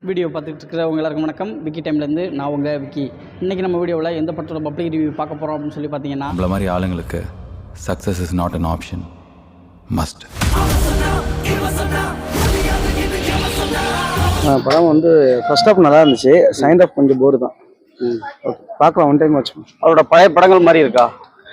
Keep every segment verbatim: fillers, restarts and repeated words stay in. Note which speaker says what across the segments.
Speaker 1: Video பார்த்துட்டு இருக்கிறவங்க எல்லாருக்கும் வணக்கம். விக்கி டைம்லேருந்து நான் உங்கள் விக்கி. இன்றைக்கி நம்ம வீடியோவில் எந்த படத்தோட பப்ளிக் ரிவ்யூ பார்க்க போகிறோம் அப்படின்னு சொல்லி பார்த்தீங்கன்னா,
Speaker 2: நம்மள மாதிரி ஆளுங்களுக்கு success is not an option, must.
Speaker 3: படம் வந்து ஃபர்ஸ்ட் ஹாஃப் நல்லா இருந்துச்சு, செகண்ட் ஹாஃப் கொஞ்சம் போர் தான். ஓகே, பார்க்கலாம், ஒன் டைம் வச்சு.
Speaker 4: அவரோட பழைய படங்கள் மாதிரி இருக்கா?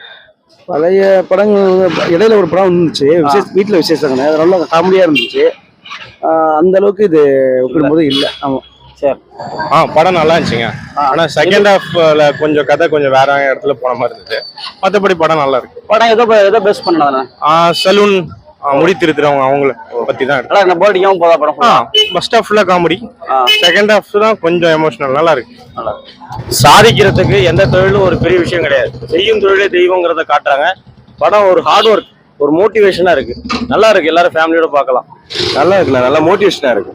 Speaker 3: பழைய படங்கள் இடையில ஒரு படம் இருந்துச்சு, விசேஷ வீட்டில் விசேஷங்க, அது நல்லா காமெடியாக இருந்துச்சு. அந்த அளவுக்கு இது ஒப்பிடும்போது இல்லை. ஆமாம்,
Speaker 4: சரி.
Speaker 5: ஆ படம் நல்லா இருந்துச்சுங்க. ஆனால் செகண்ட் ஹாஃப்ல கொஞ்சம் கதை கொஞ்சம் வேற இடத்துல போன மாதிரி இருந்துச்சு. மற்றபடி படம் நல்லா இருக்கு.
Speaker 4: படம் எதோ எதோ பெஸ்ட் பண்ணதானே?
Speaker 5: சலூன் முடி திருத்துறவங்க அவங்கள பத்தி தான் இருக்கு.
Speaker 4: நல்லா போர்டிங்காகவும் போதா படம்.
Speaker 5: ஆ ஃபர்ஸ்ட் ஹாஃப்ல காமெடி, செகண்ட் ஹாஃப் தான் கொஞ்சம் எமோஷனல். நல்லா இருக்கு.
Speaker 4: நல்லா சாதிக்கிறதுக்கு எந்த தொழிலும் ஒரு பெரிய விஷயம் கிடையாது, செய்யும் தொழிலே தெய்வங்கிறத காட்டுறாங்க. படம் ஒரு ஹார்ட் ஒர்க், ஒரு மோட்டிவேஷனா இருக்கு. நல்லா இருக்கு, எல்லாரும் ஃபேமிலியோட பார்க்கலாம்.
Speaker 6: நல்லா இருக்குண்ணா, நல்லா மோட்டிவேஷனா இருக்கு.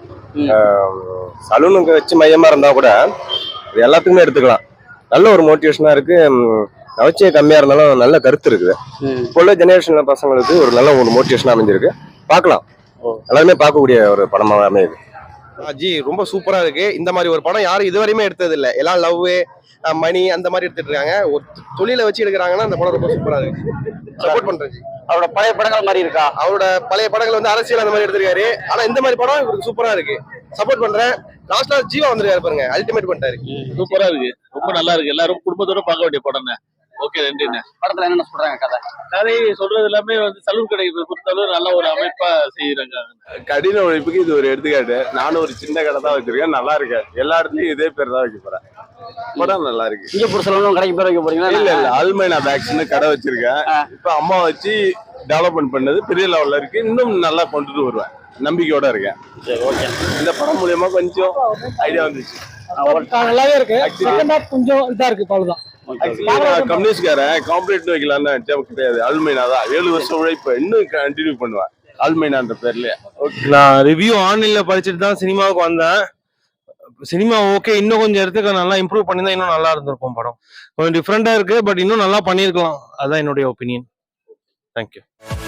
Speaker 6: சலூனுக்கு வச்சு மையமா இருந்தா கூட இது எல்லாத்துக்குமே எடுத்துக்கலாம். நல்ல ஒரு மோட்டிவேஷனா இருக்கு. நவச்சே கம்மியா இருந்தாலும் நல்ல கருத்து இருக்குது. இப்போ உள்ள ஜெனரேஷன்ல பசங்களுக்கு ஒரு நல்ல ஒரு மோட்டிவேஷனா அமைஞ்சிருக்கு. பார்க்கலாம், எல்லாருமே பார்க்கக்கூடிய ஒரு படமாக அமையுது.
Speaker 7: ஜி ரொம்ப சூப்பரா இருக்கு. இந்த மாதிரி ஒரு படம் யாரும் இதுவரையுமே எடுத்தது இல்லை. எல்லாம் லவ், மணி அந்த மாதிரி எடுத்துட்டு இருக்காங்க. ஒரு தொழிலை வச்சு எடுக்கிறாங்கன்னா அந்த படம் ரொம்ப சூப்பரா இருக்கு. சப்போர்ட் பண்றேன் ஜி.
Speaker 4: அவரோட பழைய படங்கள் மாதிரி இருக்கா?
Speaker 7: அவரோட பழைய படங்கள் வந்து அரசியல் அந்த மாதிரி எடுத்திருக்காரு. ஆனா இந்த மாதிரி படம் இவருக்கு சூப்பரா இருக்கு. சப்போர்ட் பண்றேன். லாஸ்ட்ல ஜீவா வந்திருக்காரு பாருங்க, அல்டிமேட் பண்ணிட்டாரு.
Speaker 8: சூப்பரா இருக்கு, ரொம்ப நல்லா இருக்கு. எல்லாரும் குடும்பத்தோட பார்க்க வேண்டிய படம். ஓகே, நன்றிண்ணே.
Speaker 4: படத்துல என்ன சொல்றாங்க? கதை
Speaker 8: கதை சொல்றது எல்லாமே வந்து சலூன் கடை பொறுத்தளவு நல்ல ஒரு அமைப்பா செய்யறாங்க.
Speaker 6: கடின உழைப்புக்கு இது ஒரு எடுத்துக்காட்டு. நானும் ஒரு சின்ன கடை தான் வச்சிருக்கேன், நல்லா இருக்கு. எல்லா இடத்துலயும் இதே பேர் தான் வைக்க போறேன். படம் நல்லா இருக்கு.
Speaker 4: சிங்கப்பூர் சலூன் கடைக்கு பேர் வைக்க போறீங்களா?
Speaker 6: இல்ல இல்ல, அல்மைனா பேக்ஸ்னு கடை வச்சிருக்கேன். இப்ப அம்மா வச்சு டெவலப்மெண்ட் பண்ணது பெரிய லெவல்ல இருக்கு. இன்னும் நல்லா கொண்டுட்டு வருவேன், நம்பிக்கையோட இருக்கேன். இந்த படம் மூலியமா கொஞ்சம் ஐடியா வந்துச்சு.
Speaker 3: நல்லாவே இருக்கு. கொஞ்சம் இதா இருக்கு, அவ்வளவுதான்.
Speaker 6: கம்யூனிஸ்ட்காரன் காம்பரேட் வைக்கலாம்னு கிடையாது. அல்மைனா தான் ஏழு வருஷம் உழைப்பு இன்னும் கண்டினியூ பண்ணுவேன் அல்மைனான்ற பேர்லயே.
Speaker 5: நான் ரிவ்யூ ஆன்லைன்ல படிச்சுட்டு தான் சினிமாவுக்கு வந்தேன். சினிமா ஓகே, இன்னும் கொஞ்சம் இடத்துக்கு நல்லா இம்ப்ரூவ் பண்ணிதான் இன்னும் நல்லா இருந்திருக்கும். படம் கொஞ்சம் டிஃப்ரெண்டா இருக்கு, பட் இன்னும் நல்லா பண்ணியிருக்கலாம். அதான் என்னுடைய ஒப்பீனியன். தேங்க்யூ.